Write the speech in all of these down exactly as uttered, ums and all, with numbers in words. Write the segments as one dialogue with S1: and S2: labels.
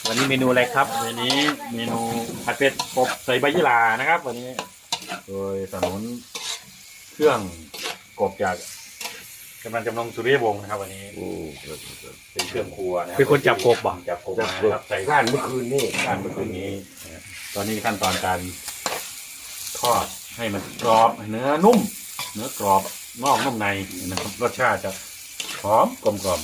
S1: วันนี้เมนูอะไรครับ
S2: วันนี้เมนูผัดเผ็ดกบใส่ใบยี่หร่านะครับวันนี้โดยสนุนเครื่องกบจากกำลังจำลองสุริยวงศ์นะครับวันนี้เป็นเครื่องครัวนะ
S1: เป็นคนจับกบบ่
S2: จับกบนะครับใส่
S3: ก้านเมื่อคืนนี่
S2: การเมื่อคืนนี้ตอนนี้ขั้นตอนการทอดให้มันกรอบเนื้อนุ่มเนื้อกรอบนอกนุ่มในนะครับรสชาติจะหอมกลมกล่อม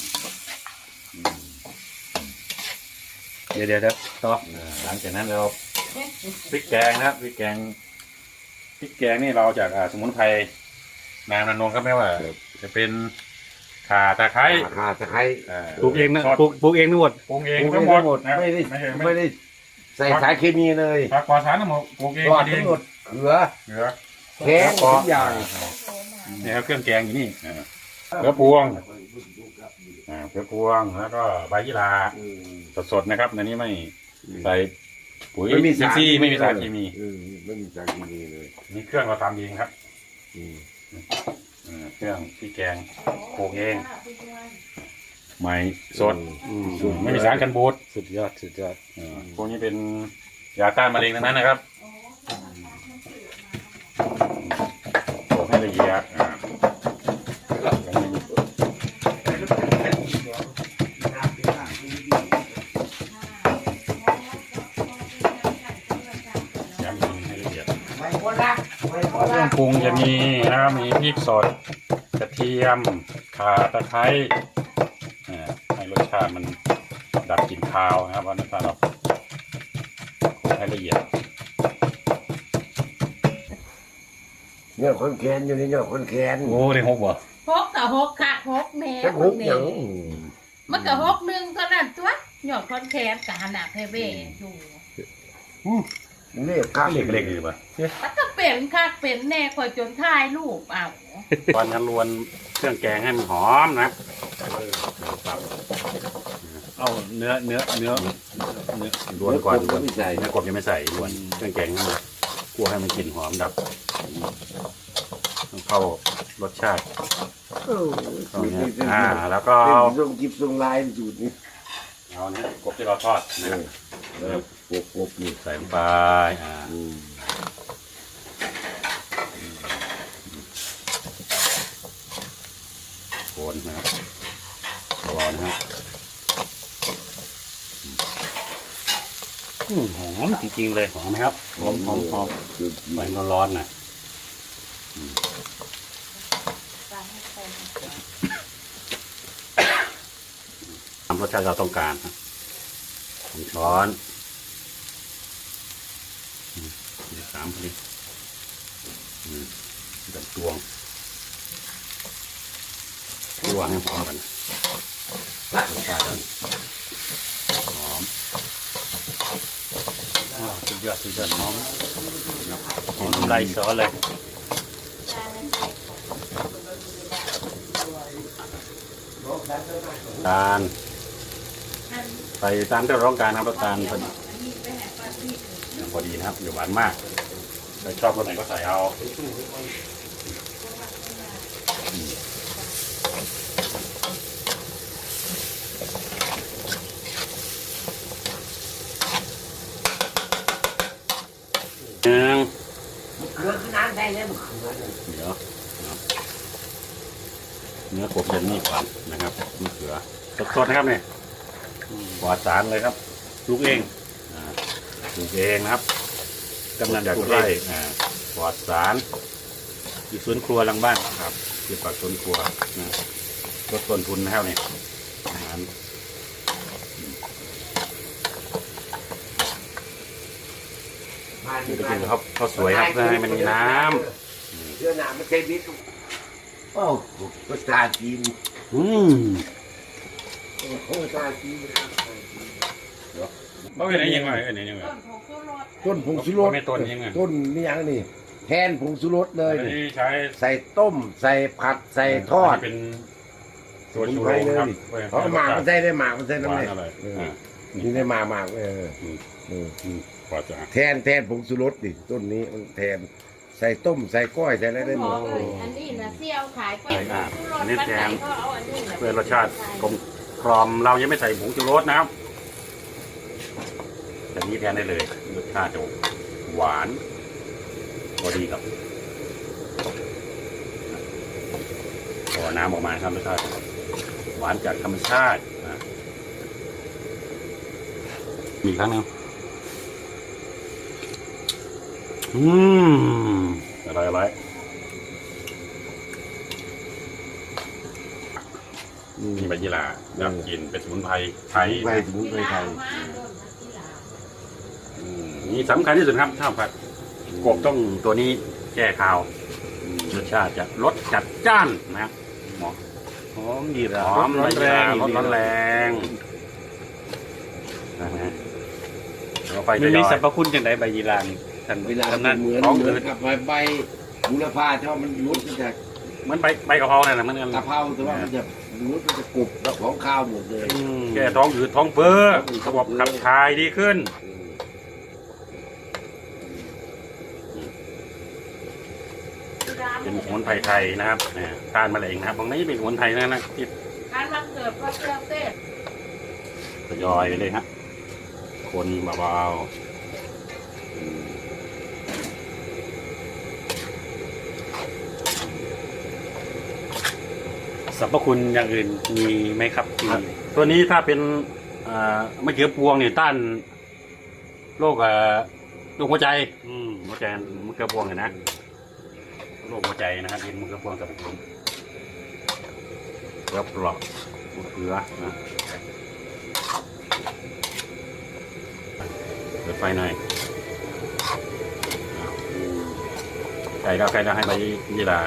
S1: เดี๋ยวเดี๋ยวต่อ
S2: หลังจากนั้นเราพริกแกงนะครับพริกแกงพริกแกงนี่เราจากสมุนไพรนางนันนงครับแม่ว่าจะเป็นข่าตะไคร้
S3: ข่าตะไคร้
S1: ปลูกเองนะปลูกปลูกเองทั้งหมด
S2: ปรุงเองทั้งหมดนะ
S3: ไม่ได้
S2: ไม่ใช่
S3: ไม่ได้ใส่สารเคมีเลย
S2: ผักปลอดสารทั้งหมดปลูกเอง
S3: รอด
S2: เอ
S3: ทั้
S2: ง
S3: งหมดเกลือ
S2: เหลือ
S3: แกงทุกอย่าง
S2: นี่ครับเครื่องแกงอยู่นี่เกลือพวงเกลือพวงแล้วก็ใบยี่หร่าสดๆนะครับในนี้ไม่ใส่ปุ๋ย
S3: ไม่มี
S2: ซินซี่ไม่มีสารเคมี
S3: ไม่มีสารเคมีเลย
S2: นี่เครื่องเราทำเองครับเครื่องที่แกงปลูกเองใหม่สดไม่มีสารกันบูด
S1: สุดยอดสุดยอด
S2: พวกนี้เป็นยาต้านมะเร็งทั้งนั้นนะครับโขลกให้ละเอียดย้ำให้ละเอียดเครื่องปรุงจะมีนะครับมีพริกสดกระเทียมข่าตะไคร้ให้รสชาติมันดับกลิ่นคาวนะครับเพราะนั้นเราโขลกให้ละเอียด
S3: เนี่ยคนแคนอยู่นี่เนี่ยคนแคน
S2: โอ้ได้หกบ่
S4: หกกับหกค่ะหกแม่
S3: จะหุบหยัง
S4: มันก็หกหนึ่งเท่านั้นตัวหยอดคอนแคนกับขนาดเพเบ้อยู่
S3: เรียกข้า
S2: เล็กเล็กดีป่ะ
S4: มันก็เป็นค่ะเป็นแน่คอยจนท้ายลูกเอา
S2: ตอนกันรวนเครื่องแกงให้มันหอมนะ
S1: เอาเนื้อเนื้อเนื้อเนื้อ
S2: รวนก่อน
S3: ก็ไม่ใส่
S2: เนื้อกบยังไม่ใส่รวนเครื่องแกงให้มันคั่วให้มันกลิ่นหอมดับต้องเข้ารสชาติตรงนี้อ่าแล้วก็
S3: เป็น
S2: เอา
S3: ทรงจิบทรงลายสูตรนี้
S2: เอาเนี้ยกบที่เราทอดนะครับ
S3: แล้วกบกบนี่
S2: ใส่ลงไปอ่าโคนนะครับรอนะครับ
S1: อืมหอมจริงๆเลย
S2: หอมไหมครับหอมหอมหอมไฟร้อนๆหน่อยทำรสชาติเราต้องการครับสองช้อนสามพอดีกับตวงตวงให้พอกันรสชาติหอม
S1: สุดยอดสุดยอดหอมหอมน้ำลายซอสเลย
S2: ตาลใส่ตามที่เราต้องการนะครับตาลพอดีพอดีนะครับอย่าหวานมากใครชอบรสไหนก็ใส่เอาหนึ่ง
S3: เกลือขึ้นน้ำได้แล้วมันเกลือ
S2: เดี๋ยวเนื้อกบจะนี่ก่อนนะครับมะเขือสดๆนะครับเนี่ยปลอดสารเลยครับปลูกเองปลูกเองนะครับกำนันจากไร่ปลอดสารอยู่สวนครัวหลังบ้านครับที่ปากสวนครัวนะลดต้นทุนนะครับเนี่ยอาหารนี่ก็คือเขาเขาสวยครับเพื่อให้มันมีน้ำ
S3: เสื้อหนาไม่ใช่บิ๊กโอ้ภาษาจีน
S2: อืม
S3: ภาษาจีน
S2: บ่เป็นอะไรยังไงอันนี้ยังไง
S4: ต้นผงชูรส
S3: ต้นผงชูรส
S2: ไม่ต้นยังไง
S3: ต้นนี่ยังนี่แทนผงชูรสเลย
S2: อัน
S3: นี่
S2: นี้ใช้
S3: ใส่ต้ม ใส่ผัดใส่ทอด
S2: เป็นตัวชูโรงครับ
S3: เขาเอาหมากมันใส่ได้หมากมันใส่
S2: ห
S3: น้ำ
S2: วาน
S3: เลย
S2: อร่อย
S3: เออ
S2: อ่า
S3: นี่ได้หมากหมากเออ
S2: อืม
S3: เออ
S2: อืมปลอดสาร
S3: แทนแทนผงชูรสดิต้นนี้มันแทนใส่ต้มใส่ก้อยใส่อะไรได้หมด
S4: อันนี้นะเซี่ยวขายไป
S2: อันนี้แทนเพื่อรสชาติกลมกล่อมเรายังไม่ใส่ผงชูรสนะครับแบบนี้แทนได้เลยรสชาติจะหวานพอดีกับพอน้ำออกมาครับรสชาติหวานจากธรรมชาตินะมีครั้งหนึงอืมอะไรอะไรมีใบยี่หร่าแล้วกินเป็นสมุนไพรไทย
S3: ไป
S2: นะ
S3: สมุนไพรไทย
S2: อืมนี่สำคัญที่สุดครับข้าวผัดกบต้องตัวนี้แก้คาวรสชาติจะรสจัดจ้านนะครับหมอ
S1: หอมดีละ
S2: หอมร้อนแรงรสร้อนแรงนะฮะเราไป
S1: มัน
S2: จะ
S1: มี
S2: ย่อย
S1: สรรพคุณจังไดใบยีรานี่ท่าน
S3: เวลา
S1: ทำนั้น
S3: เหมือน
S2: ท้อง
S3: เหมื
S2: อื
S3: อน
S2: ด
S3: กับใบใบบุรพาชอบมันรุดมันจะ
S2: เหมือนใบใบกะเพราเนี่ยนะมัน
S3: กะเพราแต่ว่ามันจะรุดมันจะกรุบแล้วของข้าวหมดเลย
S2: แก้ท้องอืดท้องเฟ้อระบบขับถ่ายดีขึ้น เป็นสมุนไพรไทยนะครับเนี่ยต้านมะเร็งนะครับตรงนี้เป็นสมุนไพรนะนะที่
S4: การมาเกิดพระเจ้าเต้
S2: ทยอยไปเลยฮะคนเบา
S1: สรรพคุณอย่างอื่นมีไหมครับที่
S2: ๆตัวนี้ถ้าเป็นอ่ามะเขือพวงเนี่ยต้านโรคอ่าโรคหัวใจอืมหัวใจมะเขือพวงเนี่ยนะโรคหัวใจนะครับเป็นมะเขือพวงสรรพคุณเกลือเปราะมะเขือนะเปิดไฟหน่อยไก่ก็ไก่ก็ให้ใบยี่หร่า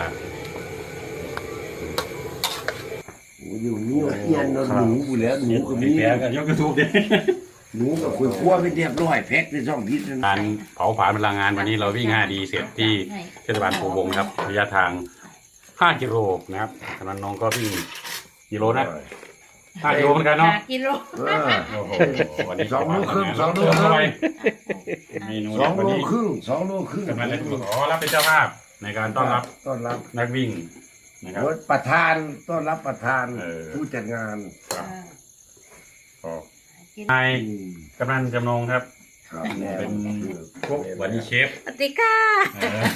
S3: โอ้ยอยู่นี่ว่าเอียนเนอะหนูอยู่แล้วหนูก็มี
S2: แกก็ยกกระทูบดิ
S3: หนูกับคุยคั่วไปเรียบร้อยแพ็คในช่องพิษนั่น
S2: การเผาผลาญพลังงานวันนี้เราวิ่งห้าดีเสร็จที่เทศบาลโพวงครับระยะทางห้ากิโลนะครับกำนันน้องก็วิ่งกิโลนะห้ากิโลเหมือนกันเนาะ
S4: ห้ากิโล
S3: เออ
S2: โอ้โหวันนี้
S3: สองโลครึ่งสองโล
S2: เติม
S3: ครึ่
S2: เข้าง ไปเมนู
S3: สองโล
S2: วันนี้
S3: ครึ่งสองโลครึ่ง
S2: กำนันเลยขอรับเป็นเจ้าภาพในการต้อนรับ
S3: ต้อนรับ
S2: นักวิ่งนะครับ
S3: ประธานต้อนรับประธาน
S2: เออ
S3: ผู้จัดงาน
S2: ขอให้
S3: อืม
S2: กำนันจำนงครับ
S3: ครับแน่
S2: เป็นพวกวันนี้เชฟ
S4: สวัสดีค่ะ
S2: เออ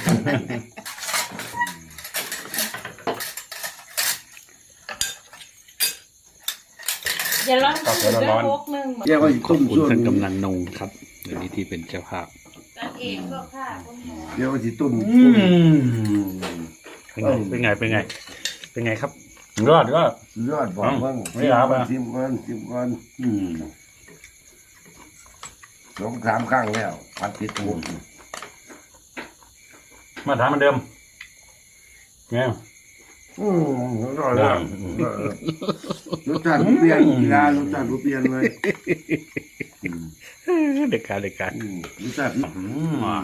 S4: อย่าร้อนสุดแล้วพกหนึ่ง
S3: เรียกว่า
S1: ขอ
S3: ต้
S1: บ
S3: ม
S1: คุณ
S3: ส่วน
S1: ท่านกำนันนงครับในนี้ที่เป็นเจ้าภาพ
S4: กันเองก็ค่ะคุณหมอ
S3: เรียกว่าที่ต้ม
S2: อืม
S1: เป็นไงเป็นไงเป็นไงเป็นไงครับ
S2: ยอดก็
S3: ยอดบอกเพิ่ง
S2: ไม่รับอ่ะ
S3: สิบวันสิบวัน
S2: อืม
S3: สองสามครั้งแล้วพัดติดหมด
S2: มาถามเหมือนเดิมไง
S3: อืมอร่อยแล้วรสชาติเปลี่ยนกีฬารสชาติเปลี่ยนเลย
S1: เด็กการเด็กการ
S3: อืมรสชาติ
S2: อืมอ่ะ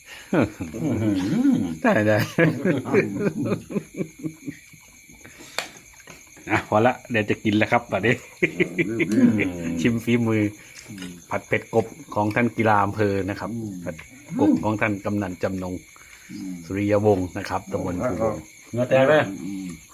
S1: ได้ได้อ่ะพอละเดี๋ยวจะกินแล้วครับตอนนี้ ชิมฝีมือ ผัดเผ็ดกบของท่านกีฬาอำเภอนะครับผัดกบของท่านกำนันจำนงสุริยวงศ์นะครับตำบลภูวงศ์
S2: เนื้อแตกเลย
S3: อืม